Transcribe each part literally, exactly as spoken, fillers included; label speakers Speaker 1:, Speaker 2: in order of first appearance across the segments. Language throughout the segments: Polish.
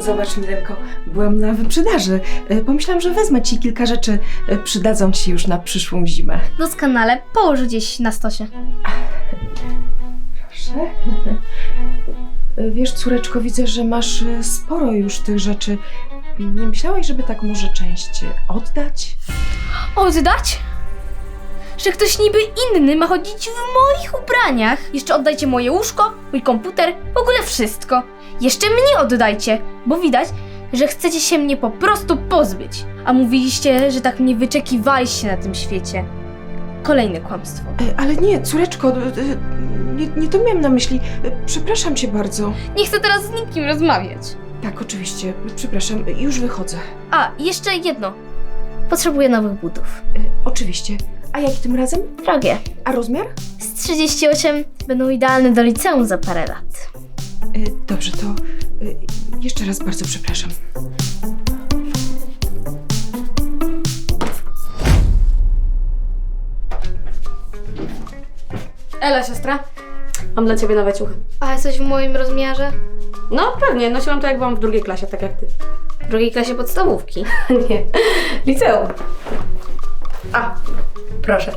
Speaker 1: Zobacz, Milenko, byłam na wyprzedaży. E, Pomyślałam, że wezmę ci kilka rzeczy, e, przydadzą ci już na przyszłą zimę.
Speaker 2: Doskonale, połóż gdzieś na stosie.
Speaker 1: Proszę. E, Wiesz, córeczko, widzę, że masz e, sporo już tych rzeczy. Nie myślałaś, żeby tak może część e, oddać?
Speaker 2: Oddać? Że ktoś niby inny ma chodzić w moich ubraniach. Jeszcze oddajcie moje łóżko, mój komputer, w ogóle wszystko. Jeszcze mnie oddajcie, bo widać, że chcecie się mnie po prostu pozbyć. A mówiliście, że tak mnie wyczekiwaliście na tym świecie. Kolejne kłamstwo.
Speaker 1: E, Ale nie, córeczko, e, e, nie, nie to miałam na myśli. E, Przepraszam cię bardzo.
Speaker 2: Nie chcę teraz z nikim rozmawiać.
Speaker 1: Tak, oczywiście, przepraszam, już wychodzę.
Speaker 2: A, jeszcze jedno. Potrzebuję nowych butów.
Speaker 1: E, Oczywiście. A jaki tym razem?
Speaker 2: Drogie.
Speaker 1: A rozmiar?
Speaker 2: Z trzydzieści osiem będą idealne do liceum za parę lat.
Speaker 1: E, Dobrze, to e, jeszcze raz bardzo przepraszam.
Speaker 3: Ela, siostra, mam dla ciebie nowe ciuchy.
Speaker 2: A coś w moim rozmiarze?
Speaker 3: No pewnie, nosiłam to jak byłam w drugiej klasie, tak jak ty.
Speaker 2: W drugiej klasie podstawówki.
Speaker 3: Nie, liceum. A, proszę.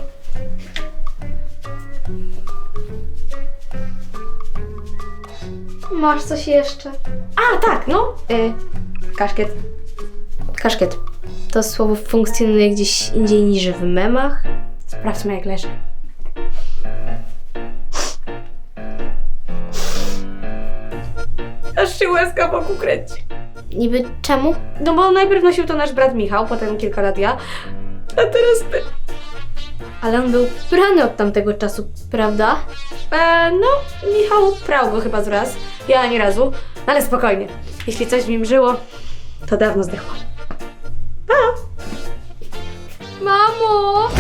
Speaker 2: Masz coś jeszcze?
Speaker 3: A, tak, no. Y, kaszkiet.
Speaker 2: Kaszkiet. To słowo funkcjonuje gdzieś indziej niż w memach?
Speaker 3: Sprawdźmy jak leży. Aż się łezka wokół kręci.
Speaker 2: Niby czemu?
Speaker 3: No bo najpierw nosił to nasz brat Michał, potem kilka lat ja, a teraz ty.
Speaker 2: Ale on był prany od tamtego czasu, prawda?
Speaker 3: E, no, Michał prał go chyba z raz, ja ani razu, ale spokojnie. Jeśli coś w nim żyło, to dawno zdechło.
Speaker 2: Mamo!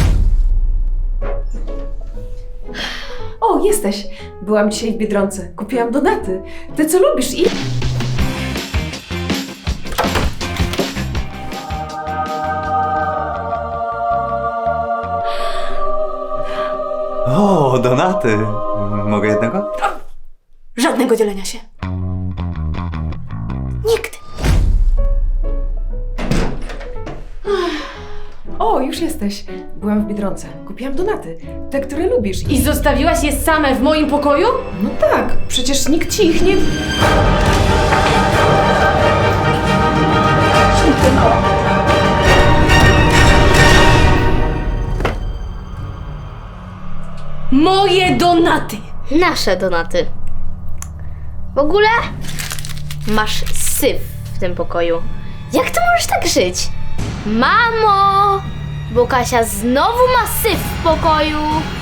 Speaker 1: O, jesteś! Byłam dzisiaj w Biedronce. Kupiłam donaty. Ty co lubisz i...
Speaker 4: O, donaty. Mogę jednego?
Speaker 3: Żadnego dzielenia się.
Speaker 2: Nigdy!
Speaker 1: O, już jesteś. Byłam w Biedronce. Kupiłam donaty. Te, które lubisz i...
Speaker 3: I zostawiłaś je same w moim pokoju?
Speaker 1: No tak, przecież nikt ci ich nie...
Speaker 3: Moje donaty!
Speaker 2: Nasze donaty. W ogóle masz syf w tym pokoju. Jak ty możesz tak żyć? Mamo! Bo Kasia znowu ma syf w pokoju.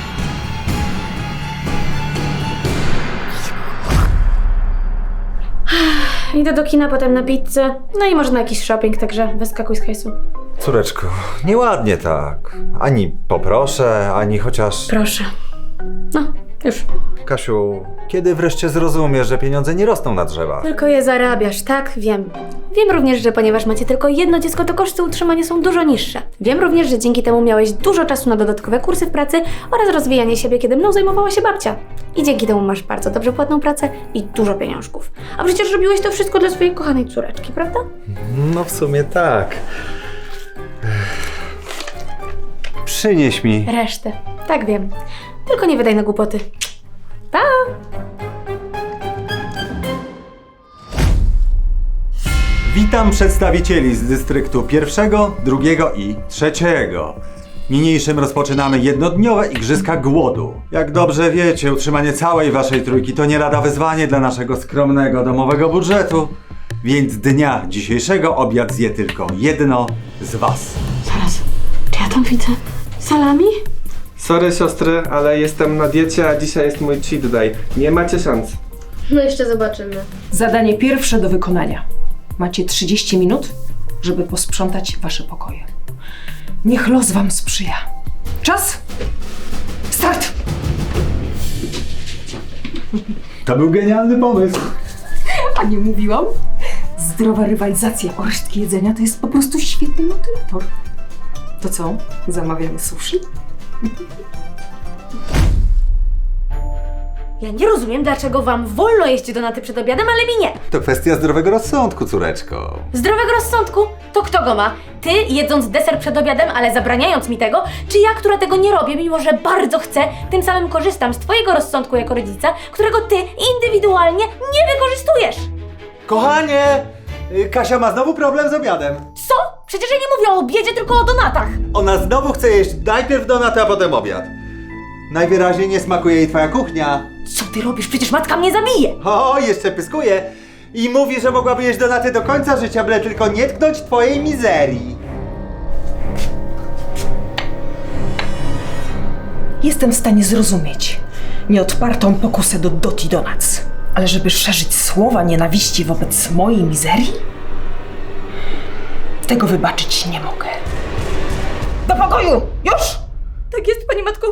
Speaker 3: Idę do kina, potem na pizzę, no i może na jakiś shopping, także wyskakuj z hajsu.
Speaker 4: Córeczko, nieładnie tak. Ani poproszę, ani chociaż...
Speaker 3: Proszę. No, już.
Speaker 4: Kasiu, kiedy wreszcie zrozumiesz, że pieniądze nie rosną na drzewach?
Speaker 3: Tylko je zarabiasz, tak? Wiem. Wiem również, że ponieważ macie tylko jedno dziecko, to koszty utrzymania są dużo niższe. Wiem również, że dzięki temu miałeś dużo czasu na dodatkowe kursy w pracy oraz rozwijanie siebie, kiedy mną zajmowała się babcia. I dzięki temu masz bardzo dobrze płatną pracę i dużo pieniążków. A przecież robiłeś to wszystko dla swojej kochanej córeczki, prawda?
Speaker 4: No w sumie tak. Przynieś mi.
Speaker 3: Resztę. Tak wiem. Tylko nie wydaj na głupoty. Pa!
Speaker 4: Witam przedstawicieli z dystryktu pierwszego, drugiego i trzeciego. Niniejszym rozpoczynamy jednodniowe Igrzyska Głodu. Jak dobrze wiecie, utrzymanie całej waszej trójki to nie lada wyzwanie dla naszego skromnego domowego budżetu. Więc dnia dzisiejszego obiad zje tylko jedno z was.
Speaker 3: Zaraz. Czy ja tam widzę salami?
Speaker 5: Sorry siostry, ale jestem na diecie, a dzisiaj jest mój cheat day. Nie macie szans.
Speaker 2: No jeszcze zobaczymy.
Speaker 1: Zadanie pierwsze do wykonania. Macie trzydzieści minut, żeby posprzątać wasze pokoje. Niech los wam sprzyja. Czas! Start!
Speaker 4: To był genialny pomysł.
Speaker 1: A nie mówiłam? Zdrowa rywalizacja o resztki jedzenia to jest po prostu świetny motywator. To co? Zamawiamy sushi?
Speaker 3: Ja nie rozumiem, dlaczego wam wolno jeść donaty przed obiadem, ale mi nie.
Speaker 4: To kwestia zdrowego rozsądku, córeczko.
Speaker 3: Zdrowego rozsądku? To kto go ma? Ty, jedząc deser przed obiadem, ale zabraniając mi tego? Czy ja, która tego nie robię, mimo że bardzo chcę, tym samym korzystam z twojego rozsądku jako rodzica, którego ty indywidualnie nie wykorzystujesz?
Speaker 4: Kochanie! y, Kasia ma znowu problem z obiadem.
Speaker 3: Co? Przecież ja nie mówię o obiedzie, tylko o donatach.
Speaker 4: Ona znowu chce jeść najpierw donaty, a potem obiad. Najwyraźniej nie smakuje jej twoja kuchnia.
Speaker 3: Co ty robisz? Przecież matka mnie zabije.
Speaker 4: O, jeszcze pyskuje. I mówi, że mogłaby jeść donaty do końca życia, byle tylko nie tknąć twojej mizerii.
Speaker 1: Jestem w stanie zrozumieć nieodpartą pokusę do Doti Donuts, ale żeby szerzyć słowa nienawiści wobec mojej mizerii? Tego wybaczyć nie mogę. Do pokoju! Już!
Speaker 3: Tak jest, pani matko.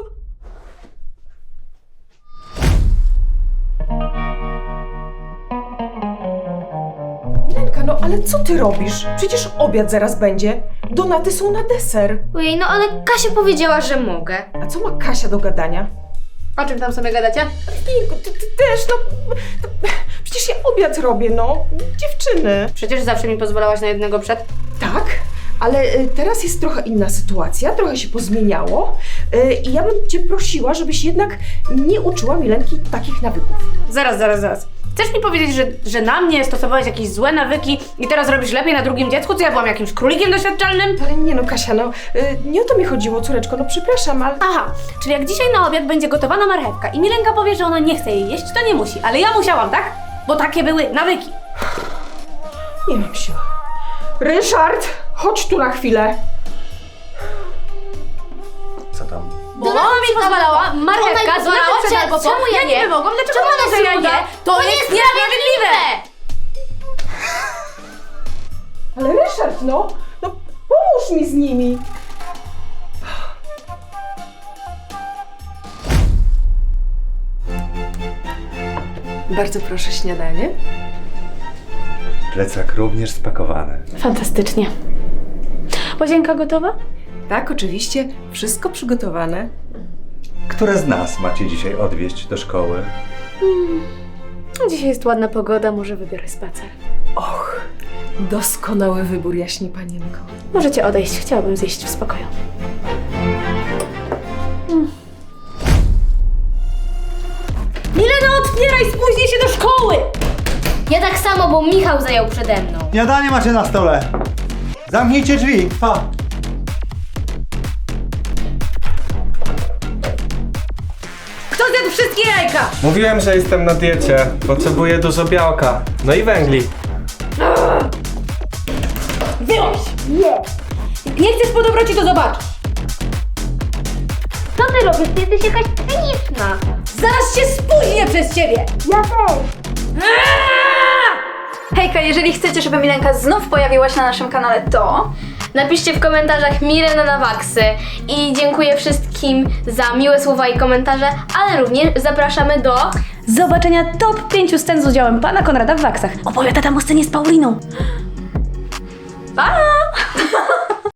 Speaker 1: Lenka, no ale co ty robisz? Przecież obiad zaraz będzie. Donaty są na deser.
Speaker 2: Ojej, no ale Kasia powiedziała, że mogę.
Speaker 1: A co ma Kasia do gadania?
Speaker 3: O czym tam sobie gadacie?
Speaker 1: Ty, ty, ty też, no... To, przecież ja obiad robię, no. Dziewczyny.
Speaker 3: Przecież zawsze mi pozwalałaś na jednego przed.
Speaker 1: Tak, ale y, teraz jest trochę inna sytuacja, trochę się pozmieniało y, i ja bym cię prosiła, żebyś jednak nie uczyła Milenki takich nawyków.
Speaker 3: Zaraz, zaraz, zaraz. Chcesz mi powiedzieć, że, że na mnie stosowałeś jakieś złe nawyki i teraz robisz lepiej na drugim dziecku? Co ja byłam jakimś królikiem doświadczalnym?
Speaker 1: Ale nie no, Kasia, no y, nie o to mi chodziło, córeczko, no przepraszam, ale...
Speaker 3: Aha, czyli jak dzisiaj na obiad będzie gotowana marchewka i Milenka powie, że ona nie chce jej jeść, to nie musi. Ale ja musiałam, tak? Bo takie były nawyki.
Speaker 1: Nie mam siły. Ryszard, chodź tu na chwilę.
Speaker 4: Co tam?
Speaker 3: Bo mama mi pozwalała, marchewka,
Speaker 2: Ona pozwalała,
Speaker 3: donaty przed
Speaker 2: cze-
Speaker 3: albo po.
Speaker 2: czemu ja nie?
Speaker 3: nie mogłam, dlaczego
Speaker 2: Czemu
Speaker 3: ona,
Speaker 2: ona
Speaker 3: że ja
Speaker 2: się
Speaker 3: nie?
Speaker 2: uda?
Speaker 3: To,
Speaker 2: To
Speaker 3: jest
Speaker 2: jest
Speaker 3: niesprawiedliwe!
Speaker 1: Ale Ryszard, no, no pomóż mi z nimi. Bardzo proszę śniadanie.
Speaker 4: Plecak również spakowany.
Speaker 3: Fantastycznie. Łazienka gotowa?
Speaker 1: Tak, oczywiście, wszystko przygotowane.
Speaker 4: Które z nas macie dzisiaj odwieźć do szkoły?
Speaker 3: Dzisiaj jest ładna pogoda, może wybiorę spacer.
Speaker 1: Och, doskonały wybór, jaśnie panienko.
Speaker 3: Możecie odejść, chciałabym zjeść w spokoju. Mm. Milena, otwieraj, spóźnię się do szkoły!
Speaker 2: Ja tak samo, bo Michał zajął przede mną.
Speaker 4: Śniadanie macie na stole. Zamknijcie drzwi. Pa.
Speaker 3: Kto zjadł wszystkie jajka?
Speaker 5: Mówiłem, że jestem na diecie. Potrzebuję dużo białka. No i węgli.
Speaker 3: Wyłącz! Nie! Jak nie chcesz po dobroci, to zobacz!
Speaker 2: Co ty robisz? Ty jesteś jakaś cyniczna.
Speaker 3: Zaraz się spóźnię przez ciebie!
Speaker 2: Ja też.
Speaker 6: Hejka, jeżeli chcecie, żeby Milenka znów pojawiła się na naszym kanale, to...
Speaker 2: Napiszcie w komentarzach Mirena na Waksy i dziękuję wszystkim za miłe słowa i komentarze, ale również zapraszamy do...
Speaker 3: Zobaczenia top pięciu scen z udziałem pana Konrada w Waksach. Opowiada tam o scenie z Pauliną.
Speaker 6: Pa!